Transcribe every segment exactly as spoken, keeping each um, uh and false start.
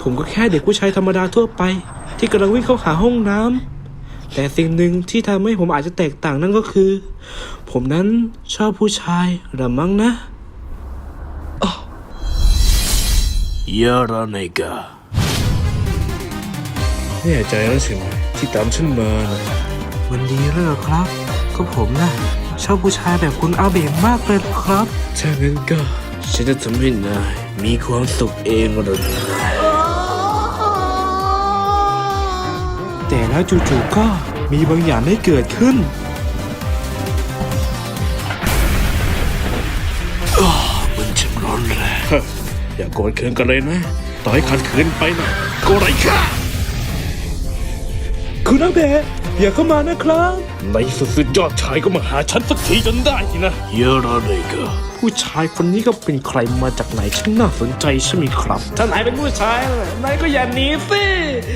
ผมก็แค่เด็กผู้ชายธรรมดาทั่วไปที่กำลังวิ่งเข้าหาห้องน้ำแต่สิ่งหนึ่งที่ทำให้ผมอาจจะแตกต่างนั่นก็คือผมนั้นชอบผู้ชายหรือมั้งนะยาราเนกาแน่ใจแล้วใช่ไหมที่ตามฉันมานะวันดีแล้วเหรอครับก็ผมนะชอบผู้ชายแบบคุณอาเบะมากเลยครับถ้างั้นก็ฉันจะทำให้นายมีความสุขเองเลยแต่แล้วจู่ๆก็มีบางอย่างได้เกิดขึ้นมันช่างร้อนแรงอย่าโกรธเคืองกันเลยนะต่อให้ขัดขืนไปนะก็ไรค่ะคุณอาเบะอย่าเข้ามานะครับในสุดสุดยอดชายก็มาหาฉันสักทีจนได้นะยาราเนกาผู้ชายคนนี้ก็เป็นใครมาจากไหนช่างน่าสนใจใช่ไหมครับถ้านายเป็นผู้ชายนายก็อย่าหนีสิ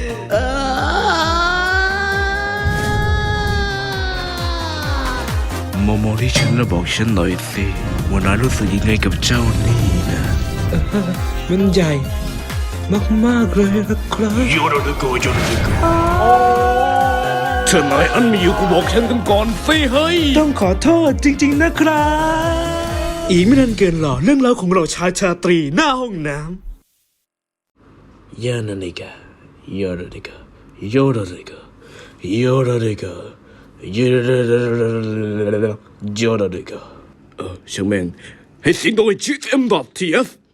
โมโมที่ฉันแล้วบอกฉันหน่อยสิว่านายรู้สึกยังไงกับเจ้านี่นะมันใหญ่มากๆเลยนะครับยาราเนกายาราเนกาเธอนายอันมีอยู่กูบอกฉันกันก่อนสิเฮ้ยต้องขอโทษจริงๆนะครับอีกไม่นานเกินหรอเรื่องราวของเราชายชาตรีหน้าห้องน้ำยานาเนกายาราเนกายาราเนกายาราเนกายาราเนกาเออช่างแม่งให้เสียงตรงไอ้จีเอ็มดอททีเอส